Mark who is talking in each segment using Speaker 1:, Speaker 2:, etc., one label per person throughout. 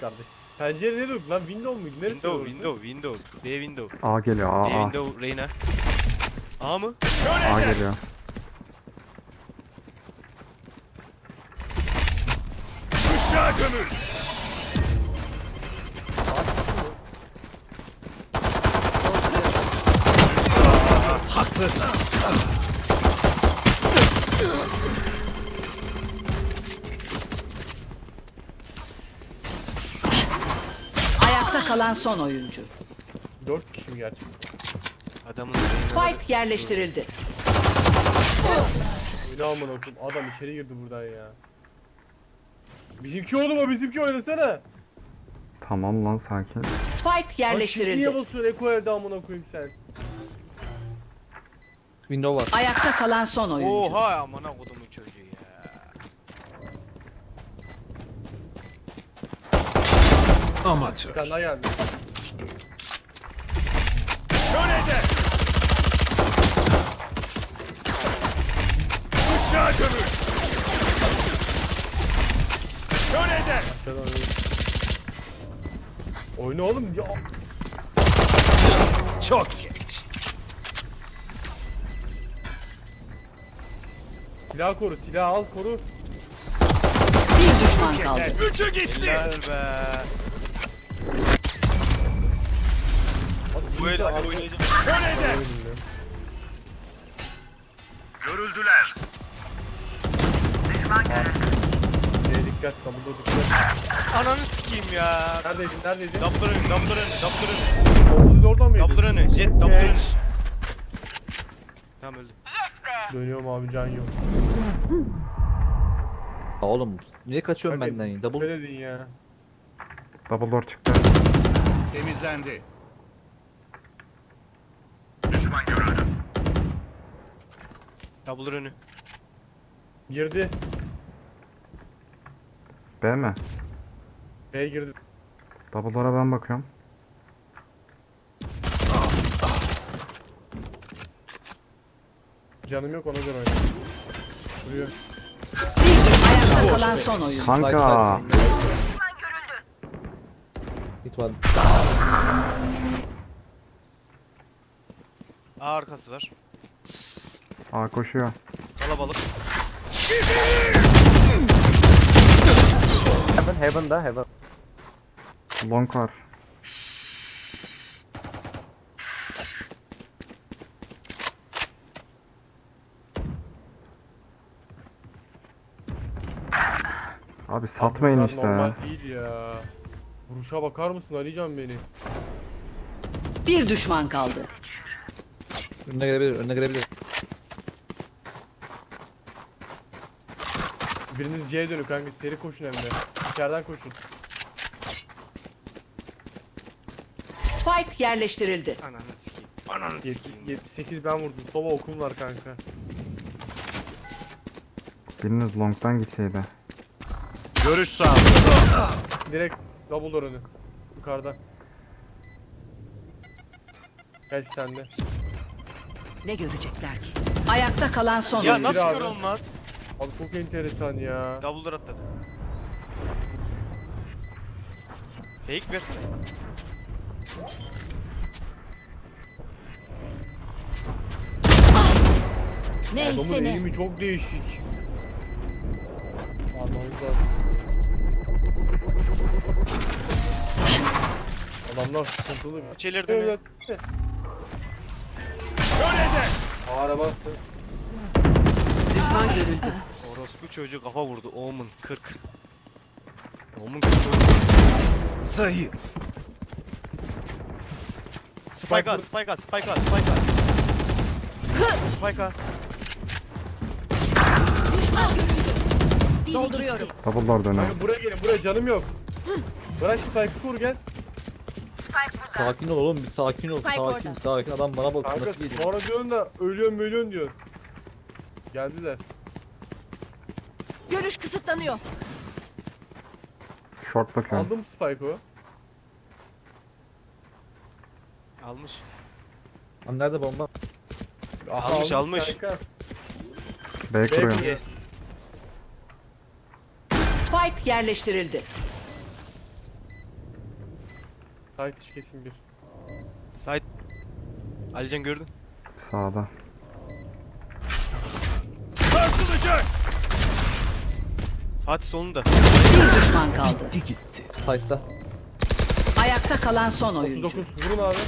Speaker 1: kardeş. Pencere ne dur lan? Window muydu? Neresi orası?
Speaker 2: Window. B window.
Speaker 3: A geliyor
Speaker 2: B
Speaker 3: A.
Speaker 2: window Reyna. A mı?
Speaker 3: A geliyor.
Speaker 4: Işığa gömül. Haklı.
Speaker 5: Ayakta kalan son oyuncu.
Speaker 1: 4 kişi mi gerçekten?
Speaker 2: Adamın Reyna'ları.
Speaker 5: Spike yerleştirildi.
Speaker 1: Öyle aman okudum. Adam içeri girdi buradan ya. Bizimki oğlum o, bizimki oynasana.
Speaker 3: Tamam lan sakin.
Speaker 5: Spike
Speaker 1: Lan niye
Speaker 5: yerleştirildi.
Speaker 1: basıyorsun Eko evde amına koyayım sen?
Speaker 6: Window var.
Speaker 5: Ayakta kalan son oyuncu.
Speaker 2: Oha amına kodumun çocuğu ya.
Speaker 1: Bir
Speaker 4: Amatör.
Speaker 1: tane daha geldi.
Speaker 4: Kölede. Işığa gömül. Kölede.
Speaker 1: Aşağıdan oynuyor. Oyna oğlum ya.
Speaker 4: Çok geç.
Speaker 1: Silah koru, silah al koru.
Speaker 5: Bir düşman kaldı.
Speaker 4: Üçü gitti.
Speaker 2: Helal be. Bu el hadi oynayacağım.
Speaker 4: Kölede. Görüldüler.
Speaker 1: Dikkat, kamuda dikkat.
Speaker 2: Ananı sikeyim ya.
Speaker 1: Neredeydin, neredeydin?
Speaker 2: Doubler önü.
Speaker 1: Orada oradan mıydın?
Speaker 2: Doubler önü. Jet doubler önü. Tamam öldü.
Speaker 1: Dönüyorum abi, can yok.
Speaker 6: Aa, oğlum niye kaçıyorsun
Speaker 1: Hadi,
Speaker 6: benden ya? Double
Speaker 1: Ne dedin ya?
Speaker 3: Double door çıktı.
Speaker 4: Temizlendi. Düşman görüldü.
Speaker 2: Doubler önü.
Speaker 1: Girdi.
Speaker 3: B mi?
Speaker 1: B girdi.
Speaker 3: Double door'a ben bakıyorum.
Speaker 5: Canım
Speaker 1: yok, ona göre oyna. Duruyor.
Speaker 5: Ayakta kalan son oyuncu.
Speaker 3: Kanka.
Speaker 6: hit var.
Speaker 2: A arkası var.
Speaker 3: A koşuyor.
Speaker 2: Kalabalık.
Speaker 3: Long var. Abi satmayın
Speaker 1: Bunlar
Speaker 3: işte.
Speaker 1: Normal değil ya. Vuruşa bakar mısın Alican beni?
Speaker 5: Bir düşman kaldı.
Speaker 6: Önüne gelebilir, önüne gelebilir.
Speaker 1: Biriniz C'ye dönün kanka, seri koşun hem de. İçeriden koşun.
Speaker 5: Spike yerleştirildi.
Speaker 2: Ananı sikeyim. Ananı sikeyim.
Speaker 1: 78 ben vurdum. Soba okum var kanka.
Speaker 3: Biriniz long'dan gitseydi.
Speaker 4: Görüş sağlığı.
Speaker 1: Direkt double door önü. Yukarıda. Geç sende.
Speaker 5: Ne görecekler ki? Ayakta kalan son
Speaker 2: Ya
Speaker 5: oyuncu.
Speaker 2: nasıl
Speaker 1: abi.
Speaker 2: kör olmaz?
Speaker 1: Abi çok enteresan ya.
Speaker 2: Double'lar atladı. Fake versin.
Speaker 1: Adamın eğimi çok değişik. Anlamız lazım. Adamlar sıkıntılı.
Speaker 2: Çelirdi mi?
Speaker 1: Evet.
Speaker 4: Kölede.
Speaker 1: Ağara bastı.
Speaker 5: Düşman görüldü.
Speaker 2: Orospu çocuğu kafa vurdu. Omen 40. Omen 40.
Speaker 4: Zayıf.
Speaker 2: Spike at. Spike at.
Speaker 5: Dolduruyorum.
Speaker 3: Double door dönüyor.
Speaker 1: Kanka buraya gelin, buraya canım yok. Bırak şu Spike'ı kur gel.
Speaker 6: Sakin ol oğlum, bir sakin ol. Sakin. Adam bana bakıyor.
Speaker 1: Kanka
Speaker 6: Nasıl geliyor?
Speaker 1: sonra diyorsun da ölüyorum diyor. Geldiler.
Speaker 5: Görüş kısıtlanıyor.
Speaker 3: Short bakıyorum.
Speaker 1: Aldım Spike'ı.
Speaker 2: Almış.
Speaker 6: Lan nerede bomba?
Speaker 2: Almış, almış.
Speaker 1: Kanka.
Speaker 3: B kuruyorum.
Speaker 1: B.
Speaker 5: Spike yerleştirildi.
Speaker 1: Site iş kesin bir.
Speaker 2: Sait. Alican gördün.
Speaker 3: Sağda.
Speaker 4: Sarsılacak.
Speaker 2: Fatih solunda.
Speaker 5: Bir düşman kaldı.
Speaker 4: Gitti.
Speaker 6: Site'da.
Speaker 5: Ayakta kalan son oyuncu.
Speaker 1: 39 vurun abi.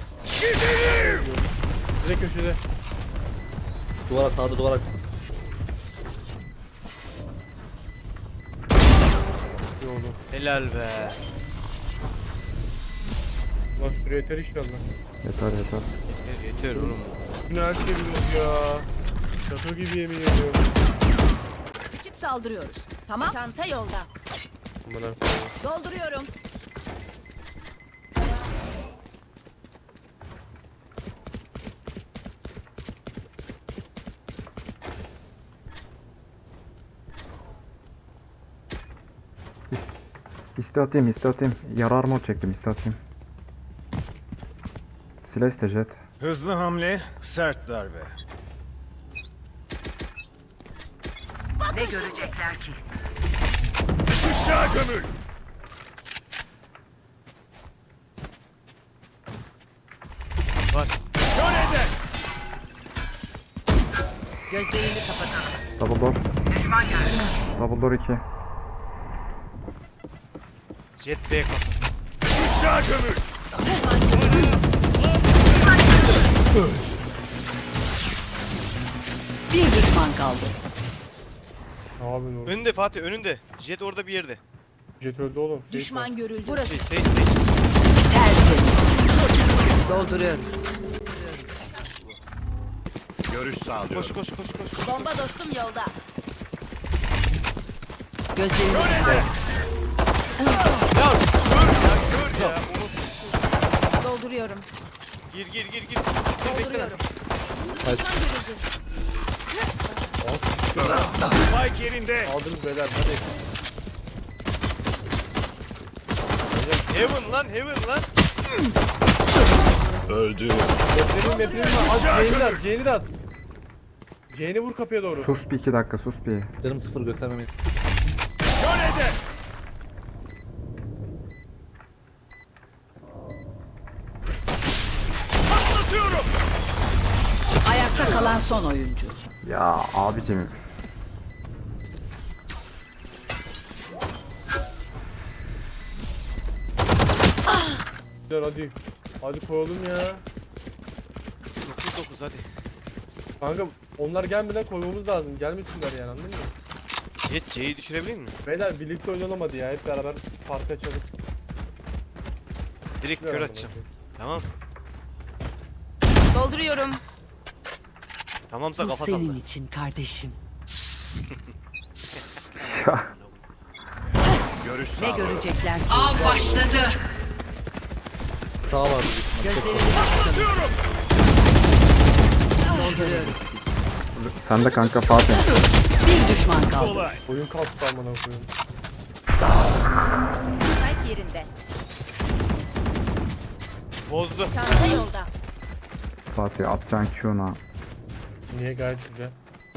Speaker 1: Direkt köşede.
Speaker 6: Duvara sağda duvara.
Speaker 1: İyi oldu.
Speaker 2: Helal be.
Speaker 1: Lan süre yeter inşallah.
Speaker 3: Yeter yeter.
Speaker 2: Yeter oğlum.
Speaker 1: Bunu her şey biliyoruz ya. Şaka gibi yemin ediyorum.
Speaker 5: Çip saldırıyoruz. Tamam. Çanta yolda.
Speaker 1: Aman ha.
Speaker 5: Dolduruyorum.
Speaker 3: İste atayım, iste atayım. Yarar mod çektim, iste atayım. Silah iste jet.
Speaker 4: Hızlı hamle, sert darbe.
Speaker 5: Ne görecekler ki?
Speaker 4: Işığa gömül.
Speaker 2: Var.
Speaker 4: Kör eder.
Speaker 5: Gözlerini kapatalım.
Speaker 3: Double door. Double door 2.
Speaker 2: Jet B kapı.
Speaker 4: Işığa gömül.
Speaker 5: Bir düşman kaldı.
Speaker 1: Ne yapıyorsun oğlum?
Speaker 2: Önünde Fatih önünde. Jet orada bir yerde.
Speaker 1: Jet öldü oğlum. Sage var.
Speaker 5: Düşman görüldü. Burası
Speaker 2: Sage.
Speaker 5: tertemiz. Dolduruyorum.
Speaker 4: Görüş sağlıyorum.
Speaker 2: Koş koş koş koş. koş.
Speaker 5: Bomba dostum yolda. Gözlerini
Speaker 2: Ya kör ya kör ya.
Speaker 5: dolduruyorum.
Speaker 2: Gir. Bekle.
Speaker 5: Dolduruyorum.
Speaker 4: Spike yerinde.
Speaker 1: Aldınız beyler hadi.
Speaker 2: Heaven lan.
Speaker 4: Öldü.
Speaker 1: Maplerin var. At C'ni at. C'ni vur kapıya doğru.
Speaker 3: Sus bir 2 dakika, sus bir.
Speaker 6: Canım sıfır göstermemeyi.
Speaker 4: Kör eder. Patlatıyorum.
Speaker 5: Ayakta kalan son oyuncu.
Speaker 3: Ya abicim.
Speaker 1: Hadi. Hadi koyalım ya.
Speaker 2: 9 hadi.
Speaker 1: Kanka onlar gelmeden koymamız lazım. Gelmesinler yani anladın mı?
Speaker 2: Jet C'yi düşürebilir mi?
Speaker 1: Beyler birlikte oynanamadı hadi ya. Hep beraber farkı açalım.
Speaker 2: Direkt kör atacağım. Tamam.
Speaker 5: Dolduruyorum.
Speaker 2: Tamamsa
Speaker 5: Bu
Speaker 2: kafa
Speaker 5: senin
Speaker 2: salla.
Speaker 5: için kardeşim.
Speaker 4: Görüş
Speaker 5: Ne
Speaker 4: sağlıyorum.
Speaker 5: görecekler ki? Av başladı.
Speaker 6: Sağ var bir.
Speaker 5: Gözlerini kapatalım.
Speaker 4: Atıyorum.
Speaker 5: Dolduruyorum.
Speaker 3: Sen de kanka Fatih.
Speaker 5: Bir düşman kaldı.
Speaker 4: Kolay.
Speaker 1: Oyun kalktı amına koyayım.
Speaker 5: Spike yerinde.
Speaker 2: Bozdu.
Speaker 5: Çanta yolda.
Speaker 3: Fatih atacaksın Q'na.
Speaker 1: Niye gayet güzel.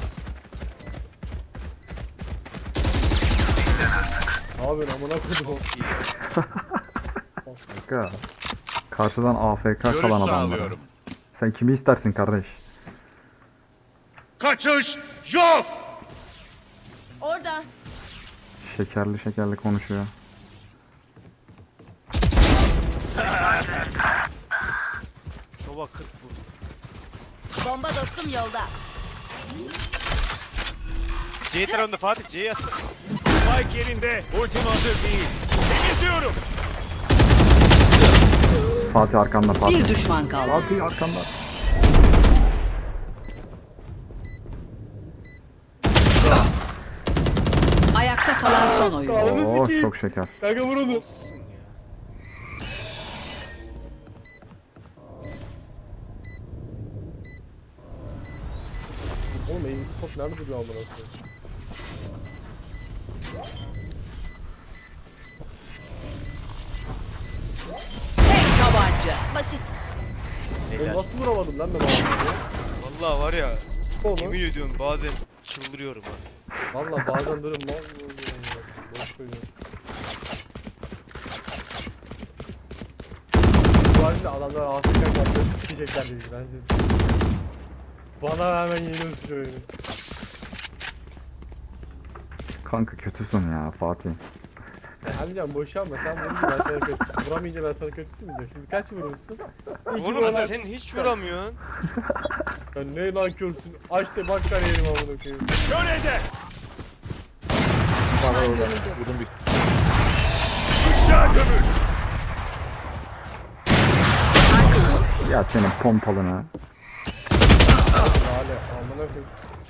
Speaker 1: Ne yapıyorsun amına koydum.
Speaker 2: Çok iyi.
Speaker 3: Kanka. Karşıdan AFK
Speaker 4: Görüş
Speaker 3: kalan adamlar.
Speaker 4: sağlıyorum.
Speaker 3: Sen kimi istersin kardeş?
Speaker 4: Kaçış yok.
Speaker 5: Orada.
Speaker 3: Şekerli şekerli konuşuyor.
Speaker 2: Sova 40 vurdu.
Speaker 5: Bomba dostum yolda.
Speaker 2: C tarafında Fatih C'yi at.
Speaker 4: Spike yerinde. Ultim hazır değil. Temizliyorum.
Speaker 3: Fatih arkanda Fatih.
Speaker 5: Bir düşman kaldı.
Speaker 3: Fatih arkanda.
Speaker 5: Ayakta kalan son oyuncu.
Speaker 1: Ananı
Speaker 3: Oo
Speaker 1: sikeyim.
Speaker 3: çok şeker.
Speaker 1: Kanka vur onu.
Speaker 2: Olsun ya.
Speaker 1: Oğlum eğim top nerede duruyor amına koyayım?
Speaker 5: Tek tabanca. Basit.
Speaker 1: Oğlum
Speaker 2: Helal.
Speaker 1: nasıl vuramadım lan ben onu?
Speaker 2: Vallahi var ya.
Speaker 1: Oğlum.
Speaker 2: Yemin ediyorum bazen çıldırıyorum ha.
Speaker 1: Valla bazen böyle mal oluyorum ya. Boş söylüyorum. Normalde adamlar Afrika kapları sikecekler dedi ben size. Bana hemen yeniyorsun şu oyunu.
Speaker 3: Kanka kötüsün ya Fatih.
Speaker 1: Alican boşanma sen vurunca ben sana kötü. Vuramayınca ben sana kötüsün mü diyor. Şimdi kaç vurursun?
Speaker 2: Oğlum sen hiç vuramıyorsun.
Speaker 1: Sen ne nankörsün? Aç da bak kariyerim amına koyayım.
Speaker 4: Şöyle
Speaker 6: Bana orada. Vurdum bir.
Speaker 4: Bıçağı gömül.
Speaker 3: Ya senin pompalına.
Speaker 1: Lale amına koyayım.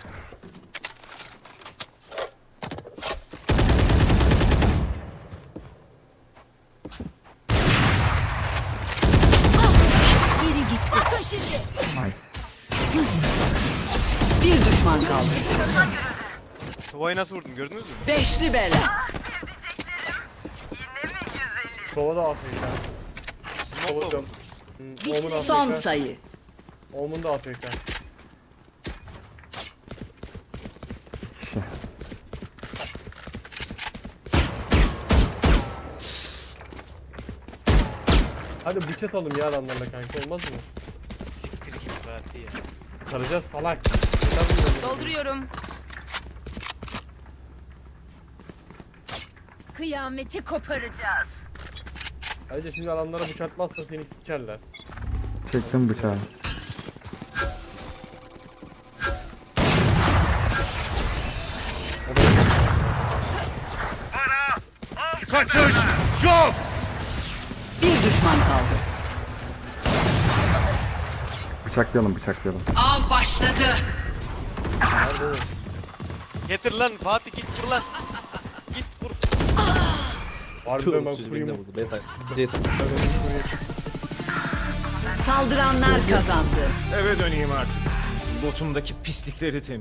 Speaker 5: Biri gitti. Bakın şimdi.
Speaker 3: Nice.
Speaker 5: Bir düşman kaldı.
Speaker 2: Tuvayı nasıl vurdun gördünüz mü?
Speaker 5: Beşli bela.
Speaker 1: Sova da Afrika.
Speaker 2: Smoke'la
Speaker 1: Sova da.
Speaker 2: vurdum.
Speaker 1: Omun Afrika.
Speaker 5: Son sayı.
Speaker 1: Omun da Afrika.
Speaker 3: Şey.
Speaker 1: Hadi bıçak atalım ya adamlarla kanka olmaz mı?
Speaker 2: Siktir git Fatih ya.
Speaker 1: Saracağız salak.
Speaker 7: Dolduruyorum. Kıyameti koparacağız.
Speaker 1: Ayrıca şimdi adamlara bıçak atmazsa seni sikerler.
Speaker 3: Çektim bıçağı.
Speaker 4: Kaçış yok.
Speaker 5: Bir düşman kaldı.
Speaker 3: Bıçaklayalım bıçaklayalım.
Speaker 5: Av başladı.
Speaker 2: Getir lan Fatih git vur lan. Git vur.
Speaker 1: Harbiden ben
Speaker 6: Çocuğu beni de
Speaker 1: kurayım.
Speaker 6: vurdu. Ben Jason.
Speaker 5: Saldıranlar kazandı.
Speaker 4: Eve döneyim artık. Botumdaki pislikleri